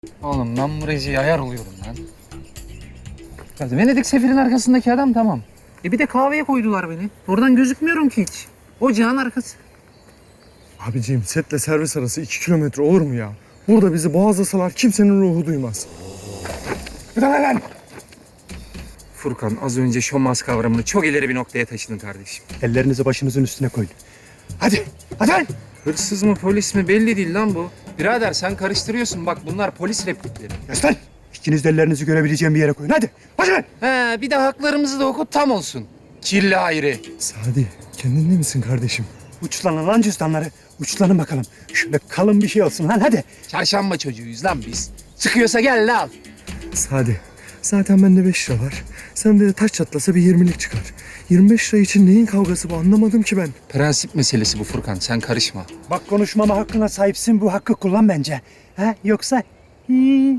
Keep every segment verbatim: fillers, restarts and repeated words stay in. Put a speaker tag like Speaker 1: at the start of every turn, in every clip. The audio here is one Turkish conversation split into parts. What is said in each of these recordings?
Speaker 1: Oğlum ben bu Rezi'ye ayar oluyorum lan. Ya Venedik Sefir'in arkasındaki adam tamam. E bir de kahveye koydular beni. Oradan gözükmüyorum ki hiç. Ocağın arkası.
Speaker 2: Abiciğim setle servis arası iki kilometre olur mu ya? Burada bizi boğazlasalar kimsenin ruhu duymaz. Bir tane lan!
Speaker 1: Furkan az önce şomaz kavramını çok ileri bir noktaya taşıdın kardeşim.
Speaker 3: Ellerinizi başınızın üstüne koyun. Hadi, hadi lan!
Speaker 1: Hırsız mı polis mi belli değil lan bu. Birader sen karıştırıyorsun bak bunlar polis replikleri.
Speaker 3: Göster! İkiniz de ellerinizi görebileceğim bir yere koyun. Hadi, hadi lan!
Speaker 1: He bir de haklarımızı da oku tam olsun. Kirli ayrı.
Speaker 2: Sadi kendinde misin kardeşim?
Speaker 3: Uçlanın lan cüzdanları. Uçlanın bakalım. Şöyle kalın bir şey olsun lan hadi.
Speaker 1: Çarşamba çocuğuyuz lan biz. Çıkıyorsa gel lan al.
Speaker 2: Sadi zaten bende beş lira var. Sende de taş çatlasa bir yirmilik çıkar. yirmi beş lira için neyin kavgası bu anlamadım ki ben.
Speaker 1: Prensip meselesi bu Furkan sen karışma.
Speaker 3: Bak konuşmama hakkına sahipsin. Bu hakkı kullan bence. Ha? Yoksa... Hı.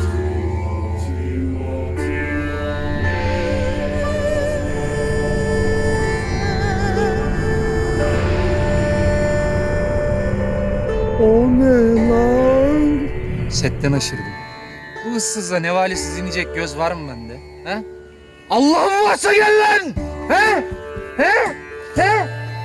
Speaker 2: O ne lan?
Speaker 1: Setten aşırdım. Bu ıssızla nevalesiz inecek göz var mı bende? He? Allah'ım varsa gel lan! He? He? He?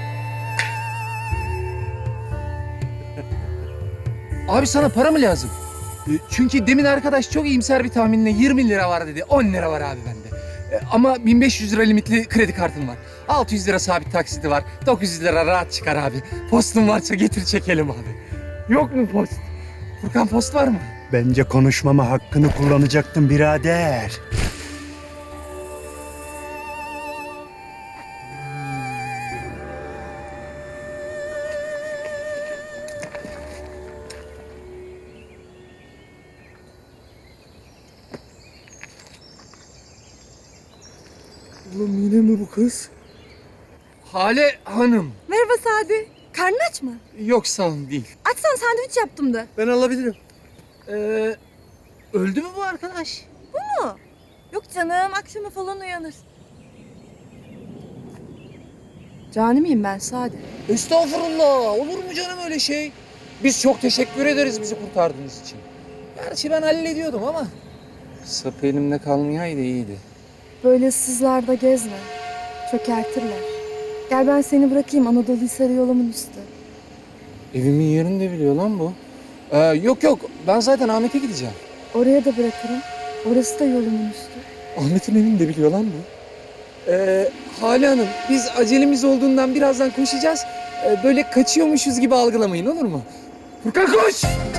Speaker 1: Abi sana para mı lazım? E, Çünkü demin arkadaş çok iyimser bir tahminle yirmi lira var dedi. on lira var abi bende. E, Ama bin beş yüz lira limitli kredi kartım var. altı yüz lira sabit taksiti var. dokuz yüz lira rahat çıkar abi. Postun varsa getir çekelim abi. Yok mu post? Furkan post var mı?
Speaker 3: Bence konuşmama hakkını kullanacaktın birader.
Speaker 2: Oğlum yine mi bu kız?
Speaker 1: Hale Hanım.
Speaker 4: Merhaba Sadi. Karnın aç mı?
Speaker 1: Yok sağ olun değil.
Speaker 4: Açsan sandviç yaptım da.
Speaker 2: Ben alabilirim.
Speaker 1: Ee, öldü mü bu arkadaş?
Speaker 4: Bu mu? Yok canım, akşama falan uyanır. Cani miyim ben Sadi?
Speaker 1: Estağfurullah. Olur mu canım öyle şey? Biz çok teşekkür ederiz bizi kurtardığınız için. Gerçi ben hallediyordum ama. Sapı elimde kalmayaydı iyiydi.
Speaker 4: Böyle ıssızlarda gezme. Çökertirler. Gel ben seni bırakayım Anadolu Hisarı yolumun üstü.
Speaker 1: Evimin yerini de biliyor lan bu. Ee, yok yok ben zaten Ahmet'e gideceğim.
Speaker 4: Oraya da bırakırım. Orası da yolumun üstü.
Speaker 1: Ahmet'in evini de biliyor lan bu. Ee, Hale Hanım biz acelemiz olduğundan birazdan koşacağız. Ee, böyle kaçıyormuşuz gibi algılamayın olur mu? Furkan koş!